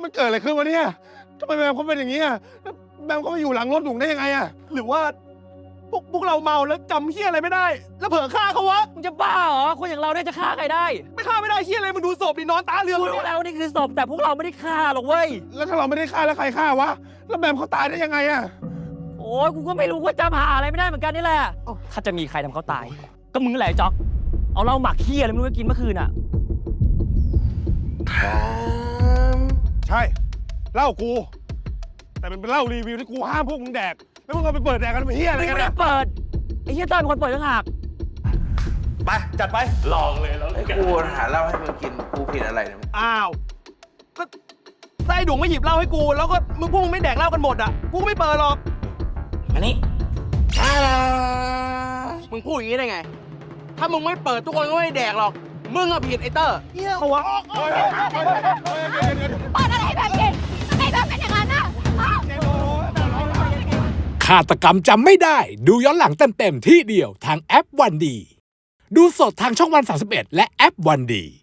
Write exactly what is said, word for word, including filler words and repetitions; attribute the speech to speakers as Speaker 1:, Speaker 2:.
Speaker 1: มันเกิดอะไรขึ้นวะเนี่ยทำไมแบมเขาเป็นอย่างนี้อ่ะแบมเขาไปอยู่หลังรถหนุ่มได้ยังไงอ่ะหรือว่าพวกพวกเราเมาแล้วจำเฮี้ยอะไรไม่ได้ แล้วเผลอฆ่าเขาวะ
Speaker 2: มึงจะบ้าเหรอคนอย่างเราเนี่ยจะฆ่าใครได้
Speaker 1: ไม่ฆ่าไม่ได้เฮี้ยอะไรมึงดูศพดินอนตาเรือ
Speaker 2: กูรู้แล้วนี่คือศพแต่พวกเราไม่ได้ฆ่าหรอกเว้ย
Speaker 1: แล้วถ้าเราไม่ได้ฆ่าแล้วใครฆ่าวะแล้วแบมเขาตายได้ยังไงอ่ะ
Speaker 2: โอ้ยกูก็ไม่รู้ว่าจำหาอะไรไม่ได้เหมือนกันนี่แหละถ้าจะมีใครทำเขาตายก็มึงแหละจ๊อกเอาเหล้าหมักขี้อะไรไม่รู้ไปกินเมื่อคืนอ่ะ
Speaker 1: ใช่เหล้ากูแต่มันเป็นเหล้ารีวิวที่กูห้ามพวกมึงแดกแล้วมึงเอาไปเปิดแดกกันเป็นเฮี้ยอะไรกัน
Speaker 2: ไม่ได้
Speaker 1: นะ
Speaker 2: เปิดไอ้เฮียเต้ยเป็นคนเปิดต่างหาก
Speaker 1: ไปจัดไป
Speaker 3: ลองเลยแล้วเลย
Speaker 4: กูหาเหล้าให้มึงกินกูผิดอะไรเนี่ย
Speaker 1: อ้าวก็ไส้ดุงไม่หยิบเหล้าให้กูแล้วก็มึงพวกมึงไม่แดกเหล้ากันหมดอ่ะกูก็ไม่เปิดหรอก
Speaker 4: อันนี้
Speaker 3: มึงพูดอย่างนี้ได้ไงถ้ามึงไม่เปิดทุกคนก็ไม่แดกหรอกมึงอะผิดไอ้เตอร์
Speaker 1: เฮี้ยวะ
Speaker 5: เปิดอะไรให้แบบกินทำไมแบบเป็นอย่างนั้นน่ะ
Speaker 6: ฆาตกรรมจำไม่ได้ดูย้อนหลังเต็มๆที่เดียวทางแอปวันดีดูสดทางช่องวันสามสิบเอ็ดและแอปวันดี